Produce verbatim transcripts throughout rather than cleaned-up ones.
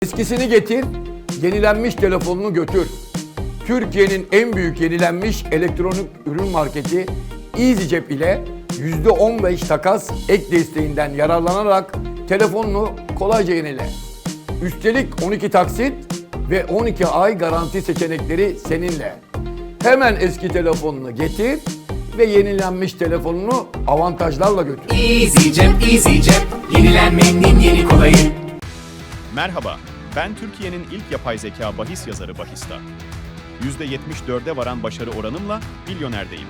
Eskisini getir, yenilenmiş telefonunu götür. Türkiye'nin en büyük yenilenmiş elektronik ürün marketi EasyCep ile yüzde on beş takas ek desteğinden yararlanarak telefonunu kolayca yenile. Üstelik on iki taksit ve on iki ay garanti seçenekleri seninle. Hemen eski telefonunu getir ve yenilenmiş telefonunu avantajlarla götür. EasyCep, EasyCep, yenilenmenin yeni kolayı. Merhaba, ben Türkiye'nin ilk yapay zeka bahis yazarı Bahis'ta. yüzde yetmiş dörde varan başarı oranımla milyonerdeyim.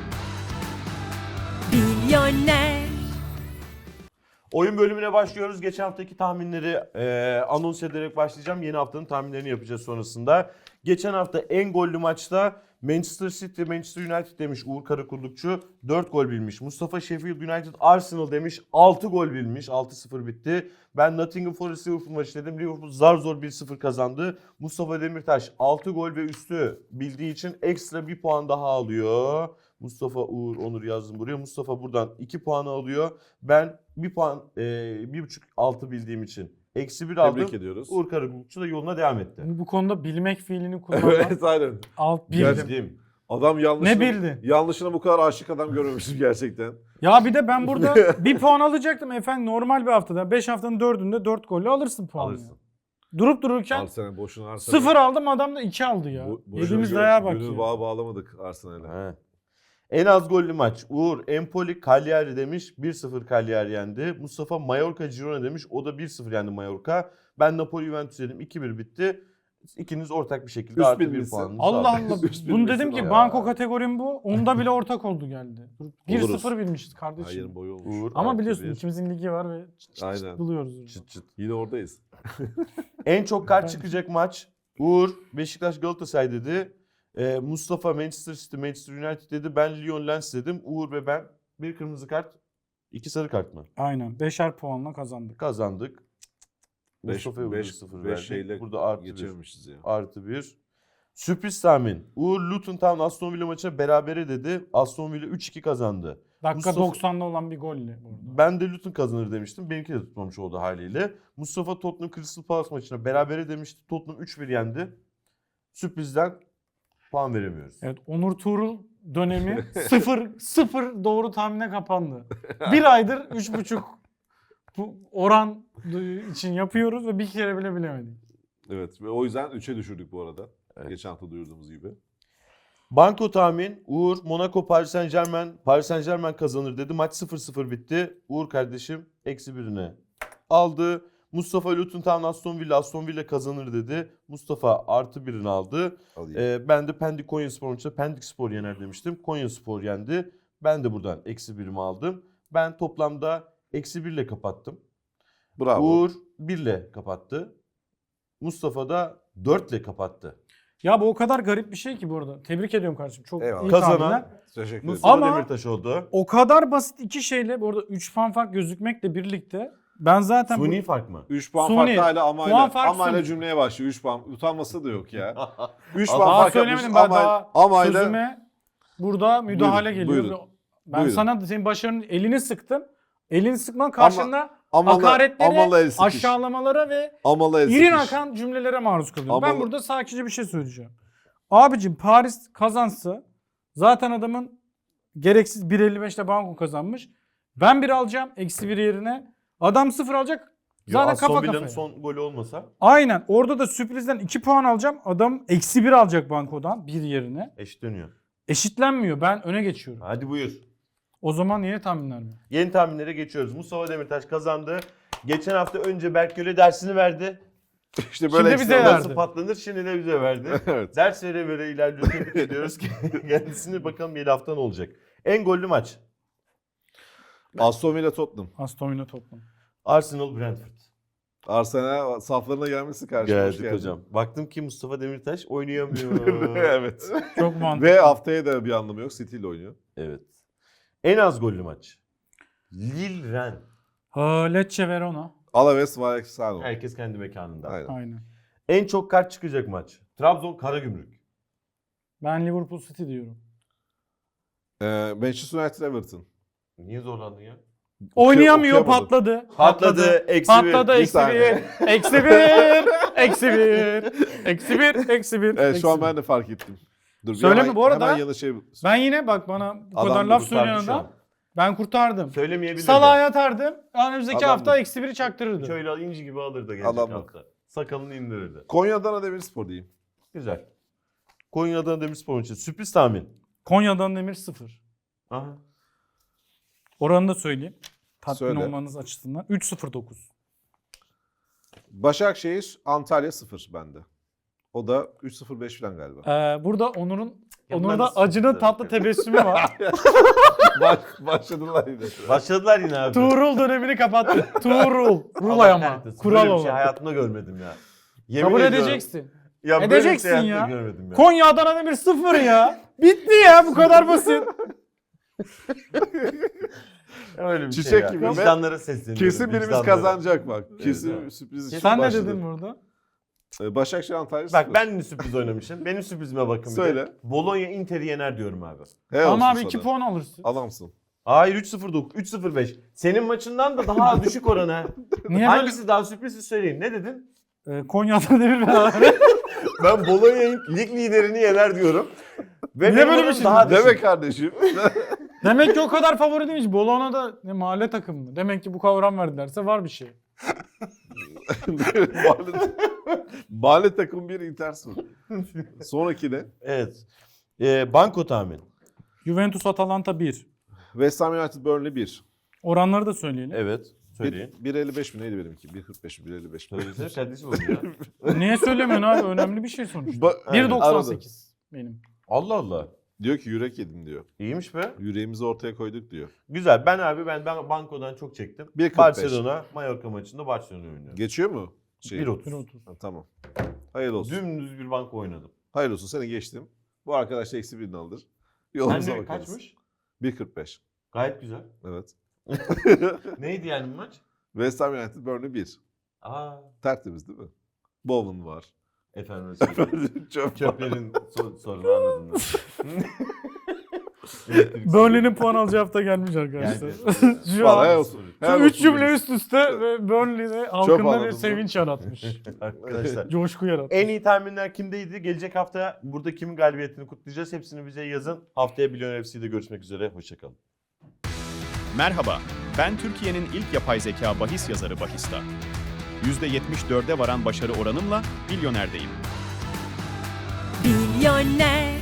Milyoner. Oyun bölümüne başlıyoruz. Geçen haftaki tahminleri e, anons ederek başlayacağım. Yeni haftanın tahminlerini yapacağız sonrasında. Geçen hafta en gollü maçta Manchester City, Manchester United demiş Uğur Karakullukçu. dört gol bilmiş. Mustafa Sheffield United, Arsenal demiş. altı gol bilmiş. altı sıfır bitti. Ben Nottingham Forest Liverpool maçı dedim. Liverpool zar zor bir sıfır kazandı. Mustafa Demirtaş altı gol ve üstü bildiği için ekstra bir puan daha alıyor. Mustafa Uğur Onur yazdım buraya. Mustafa buradan iki puan alıyor. Ben bir puan, e, bir buçuk altı bildiğim için eksi bir aldım. Tebrik ediyoruz. Uğur Karakullukçu da yoluna devam etti. Bu konuda bilmek fiilini kullanmak Evet aynen. alt Gerçekten. bildim. Bildim. Adam yanlışına, Ne bildin? yanlışına bu kadar aşık adam görmemiştim gerçekten. Ya bir de ben burada bir puan alacaktım efendim, normal bir haftada. beş haftanın dördünde dört golle alırsın puanı. Alırsın. Durup dururken Arsenal boşuna Arsenal. sıfır aldım, adam da iki aldı ya. Bu- boşuna Yediğimiz gö- dayağa bak Gönül ya. bağı bağlamadık Arsenal'e. He. En az gollü maç. Uğur Empoli Cagliari demiş. bir sıfır Cagliari yendi. Mustafa Mallorca Girona demiş. O da bir sıfır yendi Mallorca. Ben Napoli Juventus dedim. iki bir bitti. İkiniz ortak bir şekilde Üst artı bir bilmişsin. puanınızı Allah aldınız. Allah. Üst Bunu bilmişsin dedim ki ya. banko kategorim bu. Onda bile ortak oldu geldi. bir sıfır bilmişiz kardeşim. Hayır boyu olmuş. Uğur, Ama artı biliyorsun bir. ikimizin ligi var ve çıt çıt Aynen. çıt buluyoruz. orada. Çıt çıt. Yine oradayız. En çok kart çıkacak maç. Uğur Beşiktaş Galatasaray dedi. Ee, Mustafa Manchester City Manchester United dedi. Ben Lyon Lens dedim. Uğur ve ben bir kırmızı kart, iki sarı kart mı? Aynen. Beşer puanla kazandık. Kazandık. beş Mustafa'ya burada beş sıfır beş verdik. şeyle Burada artı bir. geçememişiz ya. Artı bir. Sürpriz tahmin. Uğur Luton Town Aston Villa maçı berabere dedi. Aston Villa üç iki kazandı. Dakika Mustafa- doksanda olan bir golle burada. Ben de Luton kazanır demiştim. Benimki de tutmamış oldu haliyle. Mustafa Tottenham Crystal Palace maçına berabere demişti. Tottenham üç bir yendi. Sürprizden puan veremiyoruz. Evet, Onur Tuğrul dönemi sıfır sıfır doğru tahmine kapandı. Bir aydır üç buçuk bu oran için yapıyoruz ve bir kere bile bilemedik. Evet ve o yüzden üçe düşürdük bu arada. Geçen hafta duyurduğumuz gibi. Banko tahmin. Uğur Monaco Paris Saint Germain. Paris Saint Germain kazanır dedi. Maç sıfır sıfır bitti. Uğur kardeşim eksi birine aldı. Mustafa Luton Town Aston Villa. Aston Villa kazanır dedi. Mustafa artı birini aldı. Alayım. Ee, ben de Pendik Konyaspor maçında Pendik Spor yener demiştim. Konyaspor yendi. Ben de buradan eksi birimi aldım. Ben toplamda eksi birle kapattım. Bravo. Uğur birle kapattı. Mustafa da dörtle kapattı. Ya bu o kadar garip bir şey ki bu arada. Tebrik ediyorum kardeşim. Çok Eyvallah. iyi Kazanan- tahminler. Teşekkür ederim. Mustafa Ama- Demirtaş oldu. O kadar basit iki şeyle bu arada üç puan fark gözükmekle birlikte ben zaten bu- Suni fark mı? üç puan Suni. farklı hala Puan amayla. fark Amayla Suni. cümleye başlıyor. üç puan. Utanması da yok ya. üç Daha puan daha fark söylemedim yapmış. ben, daha Amayla. sözüme burada müdahale Buyurun, geliyor. buyurun. Ben Buyurun. sana senin başarının elini sıktım. Elini sıkman karşında Amalı, hakaretlere, amalı el sıkış. aşağılamalara ve Amalı el İrin sıkış. akan cümlelere maruz kalıyorum. Ben Ama- burada sakince bir şey söyleyeceğim. Abicim Paris kazansa zaten adamın gereksiz bir elli beşte banko kazanmış. Ben bir alacağım eksi bir yerine. Adam sıfır alacak. Zaten Aston kafa Villa'nın kafaya. son golü olmasa Aynen. Orada da sürprizden iki puan alacağım. Adam eksi bir alacak bankodan bir yerine. eşit dönüyor. Eşitlenmiyor. Ben öne geçiyorum. Hadi buyur. O zaman yeni tahminler mi? Yeni tahminlere geçiyoruz. Mustafa Demirtaş kazandı. Geçen hafta önce Berkgöl'e dersini verdi. İşte böyle Şimdi bize ekstralar- verdi. Nasıl patlanır şimdi de bize verdi. Evet. Ders vere vere ilerliyor. Tebrik ediyoruz ki kendisini bakalım yeni hafta ne olacak. En gollü maç. Aston Villa Tottenham. Aston Villa toplam. Arsenal Brentford. Arsenal saflarına gelmişsin karşıma. hoş Geldik geldin. hocam. Baktım ki Mustafa Demirtaş oynayamıyor. Evet. Çok mantıklı. Ve haftaya da bir anlamı yok. City ile oynuyor. Evet. En az gollü maç. Lille Rennes. Ha, Lecce Verona. Alaves Vallecano. Herkes kendi mekanında. Aynen. Aynen. En çok kart çıkacak maç. Trabzon Karagümrük. Ben Liverpool City diyorum. Ee, Manchester United Everton. Niye zorlandın ya? Oynayamıyor, okuyamadım. patladı. Patladı, eksi bir. Patladı, Bir eksi saniye. bir. Eksi bir. Eksi bir. Eksi bir. Eksi bir. Evet eksi şu an bir. ben de fark ettim. Dur, bir Söyleme, hemen- bu arada- Hemen yanı şey... Ben yine bak bana bu Adam kadar da laf kurtardı söyleyen şu an. adam. Ben kurtardım. Söylemeyebilirdi. Salağa yatardım. Önümüzdeki Adam- hafta eksi biri çaktırırdı. Şöyle inci gibi alırdı gelecek Adamlık. hafta. Sakalını indirirdi. Konya'dan Demirspor diyeyim. Güzel. Konya'dan Demirspor için sürpriz tahmin. Konya'dan Demir sıfır. Aha. Oranı da söyleyeyim. Tatmin Söyle. olmanız açısından. üç sıfır dokuz. Başakşehir Antalya sıfır bende. O da üç sıfır beş falan galiba. Ee, burada Onur'un Ya bunlar Onur'da nasıl acının sıfır? tatlı tebessümü var. Baş, başladılar yine. Başladılar yine abi. Tuğrul dönemini kapattı. Tuğrul. Rulay Allah ama. kahretsin. Kural Böyle bir şey olan. hayatımda görmedim ya. Yemin Kabul ediyorum. edeceksin. Ya böyle bir Edeceksin şey hayatımda ya. görmedim ya. Konya Adana Demir sıfır ya. Bitti ya, bu kadar basit. Öyle bir Çiçek şey ya. gibi ve Vicdanlara sesleniyorum. Kesin birimiz vicdanlara. kazanacak bak. Kesin evet. sürpriz için Sen ne başladı. dedin burada? Ee, Başakşehir Antalya Bak sıfır. ben de sürpriz oynamışım. Benim sürprizime bakın bir de. Söyle. Bologna Inter'i yener diyorum abi. Helal Ama olsun abi iki sana. puan alırsın. Adamsın. Hayır üç sıfır dokuz, üç sıfır beş. Senin maçından da daha düşük oran ha. Niye Hangisi daha sürpriz söyleyin. Ne dedin? böyle? Ee, Konya Adana Demir beraber. Ben Bologna'nın lig liderini yener diyorum. Ve Niye benim böyle bir oranım şey daha düşük. Deme kardeşim. Demek ki o kadar favori değilmiş. Bologna da ne mahalle takımı. Demek ki bu kavram verdilerse var bir şey. Mahalle, mahalle takım bir Inter sıfır. Sonraki ne? Evet. Ee, banko tahmin. Juventus Atalanta bir. West Ham United Burnley bir. Oranları da söyleyelim. Evet. Söyleyin. bir elli beş mi neydi benimki? bir kırk beş mi? bir elli beş mi? Söylesene kardeşim onu ya. Niye söylemiyorsun abi? Önemli bir şey sonuçta. Ba- bir doksan sekiz benim. Allah Allah. Diyor ki yürek yedim diyor. İyiymiş be. Yüreğimizi ortaya koyduk diyor. Güzel. Ben abi ben, ben bankodan çok çektim. bir kırk beş. Barcelona, Mallorca maçında Barcelona oynuyor. Geçiyor mu? Şey, bir otuz. bir otuz. Ha, tamam. Hayırlı olsun. Dümdüz bir banko oynadım. Hayırlı olsun seni geçtim. Bu arkadaş da eksi birini alır. Sen Yolumuza de bakarız. kaçmış? bir kırk beş. Gayet güzel. Evet. Neydi yani bu maç? West Ham United Burnley bir. Aa, Tertemiz değil mi? Bowen var. efendim söyleyeyim. Çöp var. Çöplerin so- sorunu anladım ben. Burnley'nin puan alacağı hafta gelmiş arkadaşlar. Yani- Şu Vallahi an helal olsun. şu Helal üç olsun cümle benim. üst üste ve Burnley'de halkında anladım bir bu. sevinç yaratmış. Arkadaşlar. Coşku yaratmış. En iyi tahminler kimdeydi? Gelecek hafta burada kimin galibiyetini kutlayacağız? Hepsini bize yazın. Haftaya Milyoner F C'de görüşmek üzere. Hoşçakalın. Merhaba, ben Türkiye'nin ilk yapay zeka bahis yazarı Bahista. yüzde yetmiş dörde varan başarı oranımla milyonerdeyim. Milyoner